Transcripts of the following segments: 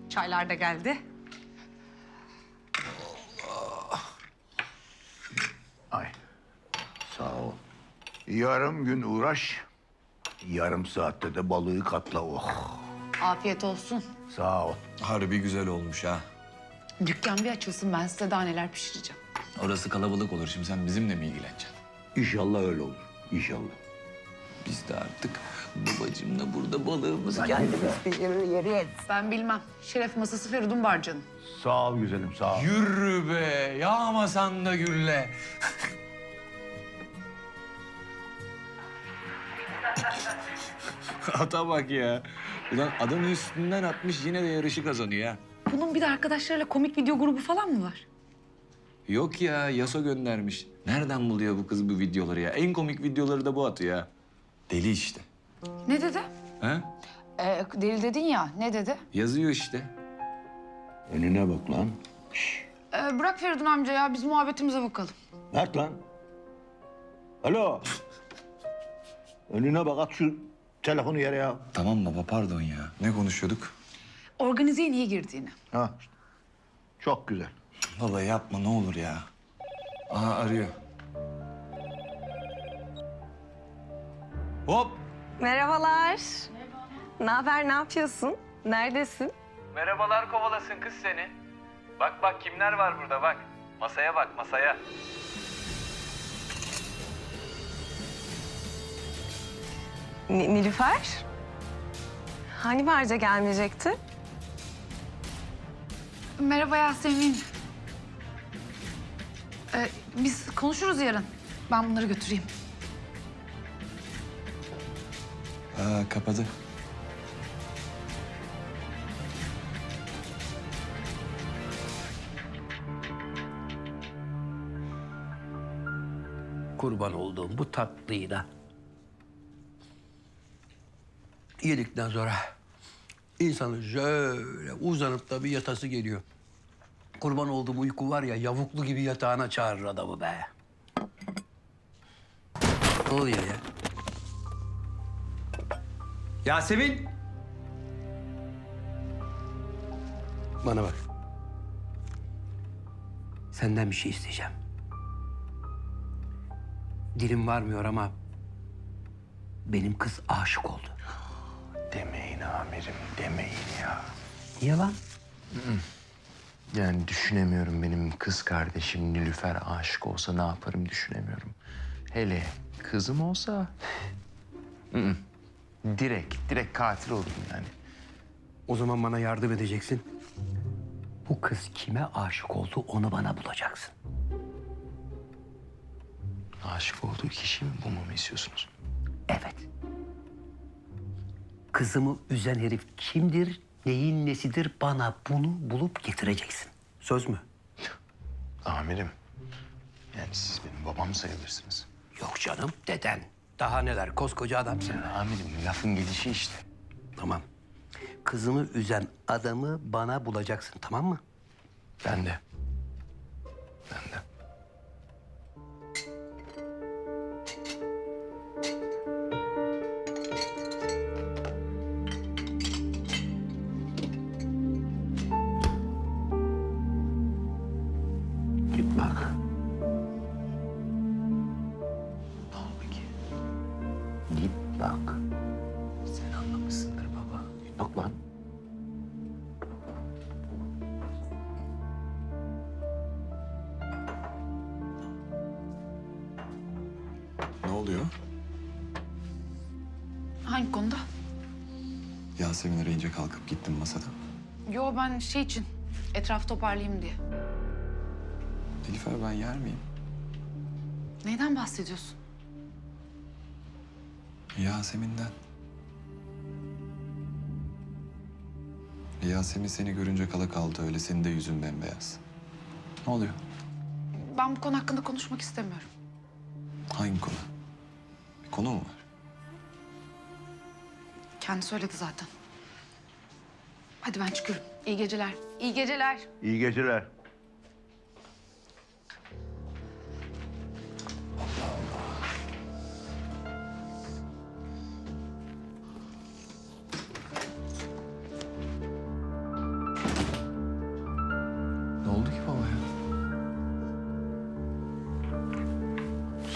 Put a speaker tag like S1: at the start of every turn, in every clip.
S1: Çaylar da geldi.
S2: Ay, sağ ol. Yarım gün uğraş, yarım saatte de balığı katla. Oh,
S3: Afiyet olsun.
S2: sağ ol.
S4: Harbi güzel olmuş ha.
S3: Dükkan bir açılsın, ben size daha neler pişireceğim.
S4: Orası kalabalık olur. Şimdi sen bizimle mi ilgileneceksin?
S2: İnşallah öyle olur, inşallah.
S4: Biz de artık babacığımla burada balığımızı kendimiz...
S3: Ben bilmem. Şeref masası Feridun Barcan'ın.
S2: Sağ ol güzelim, sağ ol.
S4: Yürü be, yağmasan da gülle. Ata bak ya. Ulan adamın üstünden atmış yine de yarışı kazanıyor ha.
S3: Bunun bir de arkadaşlarıyla komik video grubu falan mı var?
S4: Yok ya, Yaso göndermiş. Nereden buluyor bu kız bu videoları ya? En komik videoları da bu atıyor ya. Deli işte.
S3: Ne dedi?
S4: Ha?
S3: Deli dedin ya, ne dedi?
S4: Yazıyor işte.
S2: Önüne bak lan.
S3: Bırak Feridun amca ya, biz muhabbetimize bakalım.
S2: Mert lan. Alo. Önüne bak, at şu telefonu yere ya.
S4: Tamam baba, pardon ya. Ne konuşuyorduk?
S3: Organizeye niye girdiğini.
S2: Ha, çok güzel.
S4: Baba yapma ne olur ya. Aha arıyor. Hop!
S5: Merhabalar. Ne haber, ne yapıyorsun? Neredesin?
S6: Merhabalar kovalasın kız seni. Bak bak kimler var burada bak. Masaya bak masaya.
S5: Nilüfer? Hani Barca gelmeyecekti?
S3: Merhaba Yasemin. Biz konuşuruz yarın. Ben bunları götüreyim.
S4: Kapadı.
S7: Kurban olduğum bu tatlıyı da yedikten sonra insanın şöyle uzanıp da bir yatası geliyor. Kurban olduğum uyku var ya, yavuklu gibi yatağına çağırır adamı be. Ne oluyor ya?
S6: Yasemin.
S7: Bana bak. Senden bir şey isteyeceğim. Dilim varmıyor ama benim kız aşık oldu.
S8: Demeyin amirim, demeyin ya.
S7: Niye lan?
S8: Yani düşünemiyorum, benim kız kardeşim Nilüfer aşık olsa ne yaparım düşünemiyorum. Hele kızım olsa... Direkt katil olurum yani.
S7: O zaman bana yardım edeceksin. Bu kız kime aşık oldu onu bana bulacaksın.
S8: Aşık olduğu kişi mi bulmamı istiyorsunuz?
S7: Evet. Kızımı üzen herif kimdir, neyin nesidir bana bunu bulup getireceksin. Söz mü?
S8: Amirim, yani siz benim babam sayılırsınız.
S7: Yok canım, deden. Daha neler, koskoca adamsın.
S8: Amirim, lafın gelişi işte.
S7: Tamam. Kızımı üzen adamı bana bulacaksın, tamam mı?
S8: Ben de. Ben de.
S7: Git bak.
S8: Ne oldu ki?
S7: Git bak.
S8: Sen anlamışsındır baba.
S7: Bak lan.
S4: Ne oluyor?
S3: Hangi konuda?
S4: Yasemin arayınca kalkıp gittim masadan.
S3: Yo, ben şey için, etrafı toparlayayım diye.
S4: Nilüfer ben yer miyim?
S3: Neyden bahsediyorsun?
S4: Yasemin'den. Yasemin seni görünce kala kaldı öyle. Senin de yüzün bembeyaz. Ne oluyor?
S3: Ben bu konu hakkında konuşmak istemiyorum.
S4: Hangi konu? Bir konu mu var?
S3: Kendi söyledi zaten. Hadi ben çıkıyorum. İyi geceler. İyi geceler.
S2: İyi geceler.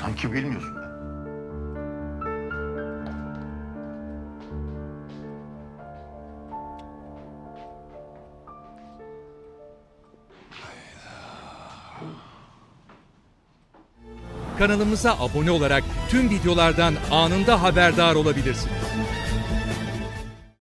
S2: Sanki bilmiyorsun be.
S1: Kanalımıza abone olarak tüm videolardan anında haberdar olabilirsiniz.